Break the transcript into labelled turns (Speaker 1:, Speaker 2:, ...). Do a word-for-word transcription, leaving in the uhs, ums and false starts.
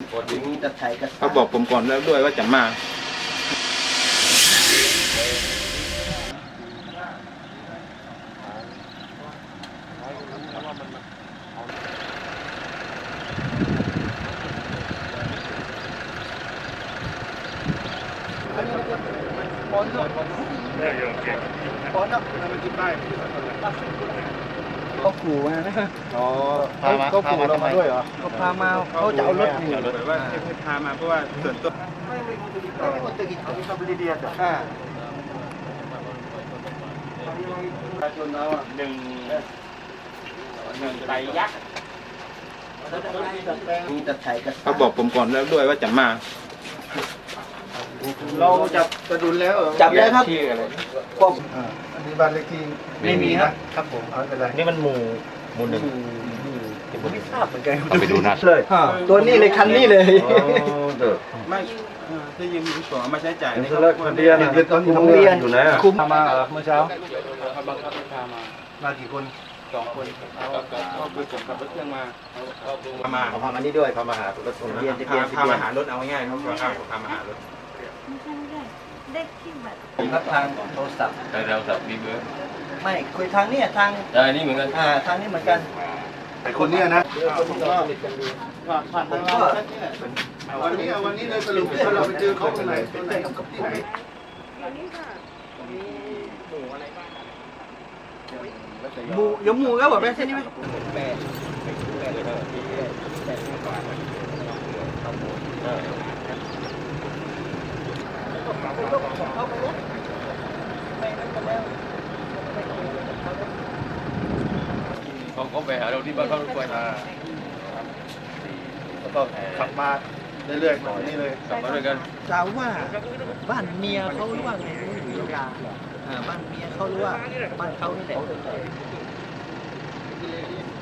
Speaker 1: เขาบอกผมก่อนแล้วด้วยว่าจะมา
Speaker 2: เขาขู่มานะอ๋อ
Speaker 3: พามา
Speaker 2: เขาขู่เรามาด้วยเหรอเขาพามาเขาจะเอารถหนี
Speaker 1: แบบว่าให้พามาเพราะว่าส่วนตัว
Speaker 2: อ่า
Speaker 1: หนึ่งหนึ่งไตยักษ์เขาบอกผมก่อนแล้วด้วยว่าจะมา
Speaker 2: เราจับกระดุนแล้วเหรอ
Speaker 3: จับแล้วครับ
Speaker 1: ที่อะไร
Speaker 2: ป้อมอ่าอันนี้บ้านเลขที่
Speaker 3: ไม่มีครับ
Speaker 2: ครับผมเอาไม่เป็นไร
Speaker 3: นี่มันหมู่หมู่หนึ่งผมไม่ทราบเหมือนกัน
Speaker 4: เอาไปดูนัด
Speaker 3: เลย
Speaker 2: อ่าตัวนี้เลยคันนี้เลย
Speaker 1: ไม่ถ้ายืมมีส่วนเอามาใช้จ่ายในครอบ
Speaker 3: เลิก
Speaker 1: ครัว
Speaker 3: เรียน
Speaker 2: เด็กตอนอยู่
Speaker 3: โร
Speaker 2: โรง ง
Speaker 3: เรี
Speaker 2: เรี
Speaker 3: ย
Speaker 2: ย
Speaker 3: น
Speaker 2: น
Speaker 3: อยู่ไหนอะ
Speaker 2: คุมมาเหรอเมื่อเช้า
Speaker 1: เขาบังคับให้พามา
Speaker 2: มากี่คน
Speaker 1: สองคนก็คือผมขับรถเครื่องมาพามา
Speaker 3: เอาพามานี่ด้วยพามาหารถผมเรียนจะเรียน
Speaker 1: พามาหารถเอาง่ายๆเขาพาพามาหารถ
Speaker 5: ไม่ใช่ไม่ใช่เลขที่บัตร
Speaker 2: ผมรับทางโทรศัพท์
Speaker 4: แต่เราสับมีเบอร์
Speaker 2: ไม่คุยทางนี้ทาง
Speaker 4: แต่อันนี้เหมือนกัน
Speaker 2: อ่าทางนี้เหมือนกันไอคนเนี้ยนะ
Speaker 1: ผมก็ผ่านทางเราวันนี้วันนี้เลยสรุปว่าเราไปเจอเขาตรงไหนตรงไหนกับที่ไหน
Speaker 2: หมูยหมูแล้วแบบนี้ใช่ไหม
Speaker 4: เขาเขาไปหาเราที่บ้านเขาทุกวัน
Speaker 2: แล้วก็ขับมาเรื่อยๆต่อนี่เลย
Speaker 4: กลับมาด้วยกัน
Speaker 2: กล่าวว่าบ้านเมียเขาหรือว่าไงไม่รู้ยาอ่าบ้านเมียเขาหรือว่าบ้านเขานี่แหละ